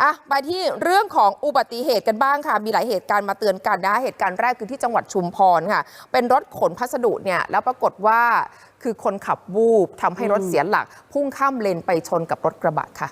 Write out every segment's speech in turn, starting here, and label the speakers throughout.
Speaker 1: ไปที่เรื่องของอุบัติเหตุกันบ้างค่ะมีหลายเหตุการณ์มาเตือนกันนะเหตุการณ์แรกคือที่จังหวัดชุมพรค่ะเป็นรถขนพัสดุเนี่ยแล้วปรากฏว่าคือคนขับวูบทำให้รถเสียหลักพุ่งข้ามเลนไปชนกับรถกระบะค่ะ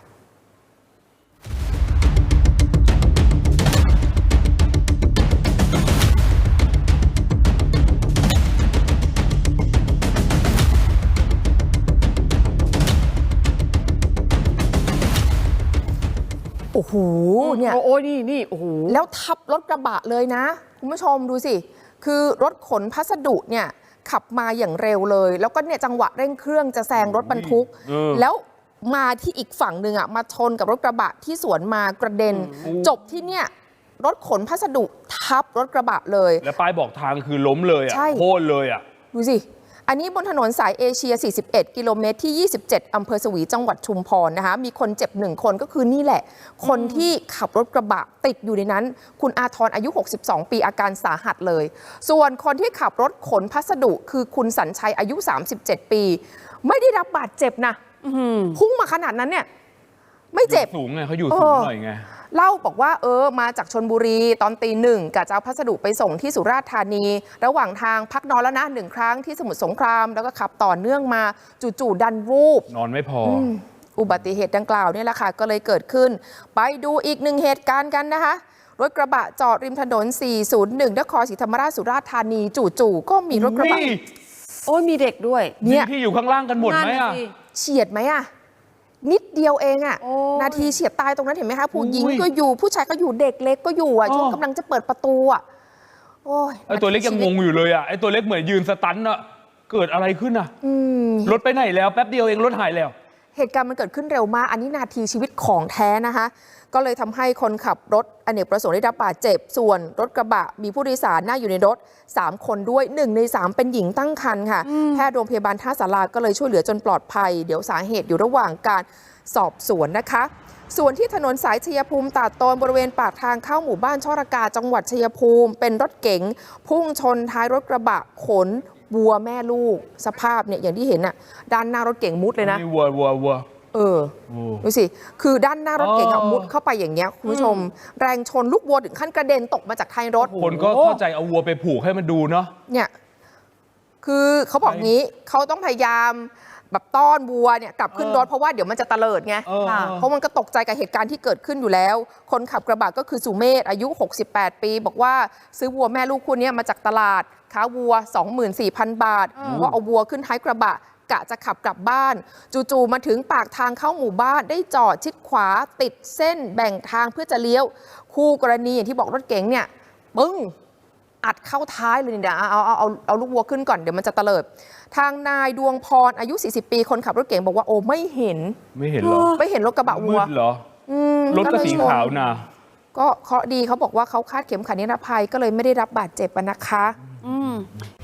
Speaker 1: โอ้โหเนี่ย
Speaker 2: โอ้นี่โอ้โห
Speaker 1: แล้วทับรถกระบะเลยนะคุณผู้ชมดูสิคือรถขนพัสดุเนี่ยขับมาอย่างเร็วเลยแล้วก็เนี่ยจังหวะเร่งเครื่องจะแซงรถบรรทุกแล้วมาที่อีกฝั่งหนึ่งอ่ะมาชนกับรถกระบะที่สวนมากระเด็นจบที่เนี่ยรถขนพัสดุทับรถกระบะเลย
Speaker 3: แล้วป้ายบอกทางคือล้มเลยอ่ะโค่นเลยอ่ะ
Speaker 1: ดูสิอันนี้บนถนนสายเอเชีย 41 กิโลเมตรที่ 27 อำเภอสวีจังหวัดชุมพรนะคะมีคนเจ็บ1 คนก็คือนี่แหละคนที่ขับรถกระบะติดอยู่ในนั้นคุณอาทรอายุ 62 ปีอาการสาหัสเลยส่วนคนที่ขับรถขนพัสดุคือคุณสัญชัยอายุ 37 ปีไม่ได้รับบาดเจ็บนะพุ่งมาขนาดนั้นเนี่ยไม่เจ็บ
Speaker 3: สูงไงเขาอยู่สูงหน่อยไง
Speaker 1: เล่าบอกว่ามาจากชลบุรีตอนตี 1กะจะเอาพัสดุไปส่งที่สุราษฎร์ธานีระหว่างทางพักนอนแล้วนะ1 ครั้งที่สมุทรสงครามแล้วก็ขับต่อเนื่องมาจู่ๆดันวูบ
Speaker 3: นอนไม่พอ
Speaker 1: อุบัติเหตุดังกล่าวนี่แหละค่ะก็เลยเกิดขึ้นไปดูอีก1 เหตุการณ์กันนะคะรถกระบะจอดริมถนน 401 นครศรีธรรมราชสุราษฎร์ธานีจู่ๆก็มีรถกระบะ
Speaker 2: โอ้ยมีเด็กด้วย
Speaker 3: เนี่ยที่อยู่ข้างล่างกันหมดไหมอ่ะ
Speaker 1: เฉียดไหมอ่ะนิดเดียวเองอะนาทีเฉียดตายตรงนั้นเห็นไหมคะผู้หญิงก็อยู่ผู้ชายก็อยู่เด็กเล็กก็อยู่อ่ะช่วงกำลังจะเปิดประตูอ่ะโอ้ย
Speaker 3: ไอตัวเล็กยังงงอยู่เลยอ่ะไอตัวเล็กเหมือนยืนสตันอ่ะเกิดอะไรขึ้นอ่ะรถไปไหนแล้วแป๊บเดียวเองรถหายแล้ว
Speaker 1: เหตุการณ์มันเกิดขึ้นเร็วมากอันนี้นาทีชีวิตของแท้นะคะก็เลยทำให้คนขับรถอเนกประสงค์ได้รับบาดเจ็บส่วนรถกระบะมีผู้โดยสารนั่งอยู่ในรถ3 คนด้วย1 ใน 3เป็นหญิงตั้งครรภ์ค่ะแพทย์โรงพยาบาลท่าสาราก็เลยช่วยเหลือจนปลอดภัยเดี๋ยวสาเหตุอยู่ระหว่างการสอบสวนนะคะส่วนที่ถนนสายชัยภูมิตาดโตนบริเวณปากทางเข้าหมู่บ้านช่อระกาจังหวัดชัยภูมิเป็นรถเก๋งพุ่งชนท้ายรถกระบะขนวัวแม่ลูกสภาพเนี่ยอย่างที่เห็นน่ะด้านหน้ารถเก๋งมุดเลยนะ
Speaker 3: วัว
Speaker 1: ดูสิคือด้านหน้ารถเก๋งมุดเข้าไปอย่างเงี้ยคุณผู้ชมแรงชนลูกวัวถึงขั้นกระเด็นตกมาจากท้ายรถ
Speaker 3: คนก็เข้าใจเอาวัวไปผูกให้มันดูเนาะ
Speaker 1: เนี่ยคือเขาบอกงี้เขาต้องพยายามแบบต้อนวัวเนี่ยกลับขึ้นรถเพราะว่าเดี๋ยวมันจะเตลิดไงเพราะมันก็ตกใจกับเหตุการณ์ที่เกิดขึ้นอยู่แล้วคนขับกระบะก็คือสุเมธอายุ68 ปีบอกว่าซื้อวัวแม่ลูกคู่นี้มาจากตลาดค้าวัว 24,000 บาทว่าเอาวัวขึ้นท้ายกระบะกะจะขับกลับบ้านจู่ๆมาถึงปากทางเข้าหมู่บ้านได้จอดชิดขวาติดเส้นแบ่งทางเพื่อจะเลี้ยวคู่กรณีอย่างที่บอกรถเก๋งเนี่ยปึ้งอัดเข้าท้ายเลยเนี่ยเอาลูกวัวขึ้นก่อนเดี๋ยวมันจะเตลิดทางนายดวงพรอายุ40 ปีคนขับรถเก๋งบอกว่าโอ้ไม่เห็น
Speaker 3: หรอ
Speaker 1: ไม่เห็นรถกระบะวัว
Speaker 3: เหรอรถก็สีขาวนะ
Speaker 1: ก็เคราะห์ดีเขาบอกว่าเขาคาดเข็มขัดนิรภัยก็เลยไม่ได้รับบาดเจ็บนะคะ